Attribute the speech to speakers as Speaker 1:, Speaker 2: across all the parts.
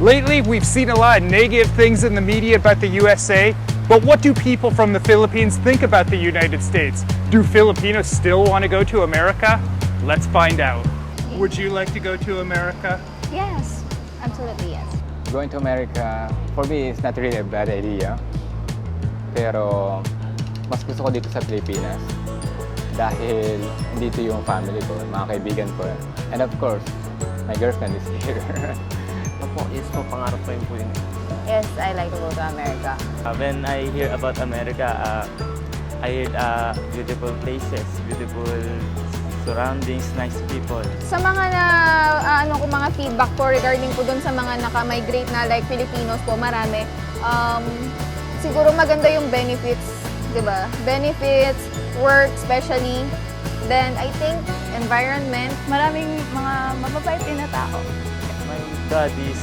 Speaker 1: Lately, we've seen a lot of negative things in the media about the USA, but what do people from the Philippines think about the United States? Do Filipinos still want to go to America? Let's find out. Would you like to go to America?
Speaker 2: Yes, absolutely yes.
Speaker 3: Going to America, for me, is not really a bad idea. Pero, mas gusto ko dito sa Pilipinas. Dahil dito yung family ko, mga kaibigan ko. And of course, my girlfriend is here.
Speaker 4: Yes po, pangarap ko yun po yun.
Speaker 2: Yes, I like to go to America.
Speaker 4: When I hear about America, I hear beautiful places, beautiful surroundings, nice people.
Speaker 2: Sa mga mga feedback ko regarding po dun sa mga naka-migrate na like Filipinos po, marami. Siguro maganda yung benefits, di ba? Benefits, work especially. Then I think environment, maraming mga mababait din na tao.
Speaker 4: My dad is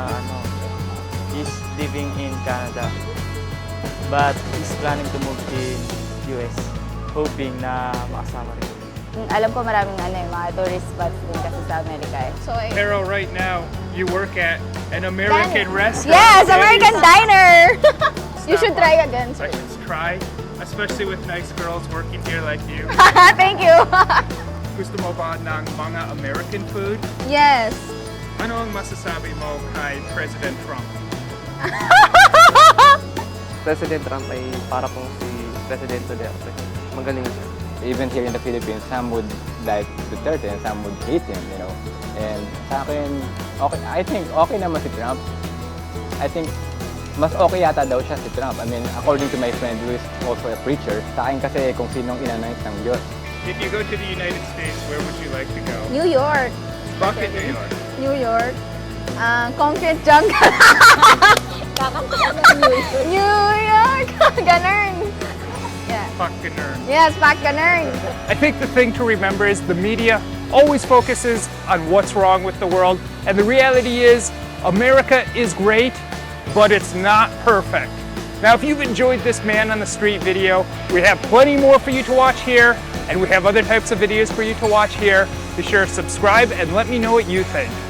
Speaker 4: living in Canada, but he's planning to move in US, hoping na makasama rin.
Speaker 2: Alam ko maraming mga tourist spots din kasi sa Amerika eh. So,
Speaker 1: Pero right now, you work at an American restaurant.
Speaker 2: Yes, American diner! You should try again,
Speaker 1: I
Speaker 2: sir.
Speaker 1: should try, especially with nice girls working here like you.
Speaker 2: Thank you!
Speaker 1: Gusto mo ba ng mga American food?
Speaker 2: Yes.
Speaker 1: Ano ang masasabi mo kay President Trump?
Speaker 4: President Trump ay para pong si President Duterte. Magaling siya.
Speaker 3: Even here in the Philippines, some would like Duterte and some would hate him, you know. And sa akin, okay, I think okay naman si Trump. I think mas okay yata daw siya si Trump. I mean, according to my friend who is also a preacher, sa akin kasi kung sinong inanoint ng Diyos.
Speaker 1: If you go to the United States, where would you like to go?
Speaker 2: New York.
Speaker 1: Bakit New York?
Speaker 2: New York. Concrete jungle. New York. Ganun. Yeah.
Speaker 1: Pakkanern.
Speaker 2: Yes, Pakkanern.
Speaker 1: I think the thing to remember is the media always focuses on what's wrong with the world, and the reality is America is great, but it's not perfect. Now, if you've enjoyed this man on the street video, we have plenty more for you to watch here, and we have other types of videos for you to watch here. Be sure to subscribe and let me know what you think.